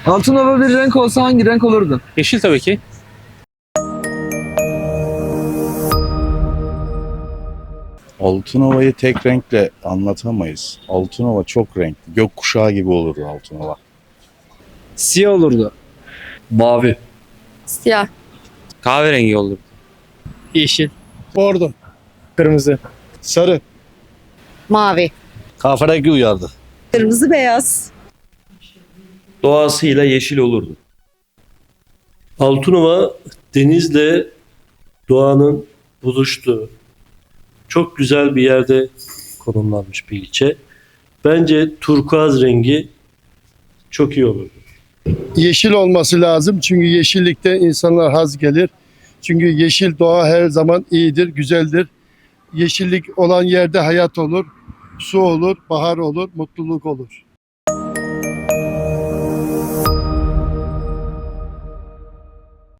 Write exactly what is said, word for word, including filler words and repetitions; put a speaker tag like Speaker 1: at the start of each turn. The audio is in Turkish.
Speaker 1: Altınova bir renk olsa hangi renk olurdu?
Speaker 2: Yeşil tabii ki.
Speaker 3: Altınova'yı tek renkle anlatamayız. Altınova çok renkli. Gökkuşağı gibi olurdu Altınova.
Speaker 1: Siyah olurdu.
Speaker 4: Mavi.
Speaker 5: Siyah.
Speaker 2: Kahverengi olur.
Speaker 1: Yeşil.
Speaker 6: Bordo.
Speaker 1: Kırmızı.
Speaker 6: Sarı.
Speaker 5: Mavi.
Speaker 3: Kahverengi uyardı.
Speaker 5: Kırmızı beyaz.
Speaker 4: Doğasıyla yeşil olurdu. Altınova denizle doğanın buluştuğu çok güzel bir yerde konumlanmış bir ilçe. Bence turkuaz rengi çok iyi olurdu.
Speaker 6: Yeşil olması lazım çünkü yeşillikte insanlar haz gelir. Çünkü yeşil doğa her zaman iyidir, güzeldir. Yeşillik olan yerde hayat olur, su olur, bahar olur, mutluluk olur.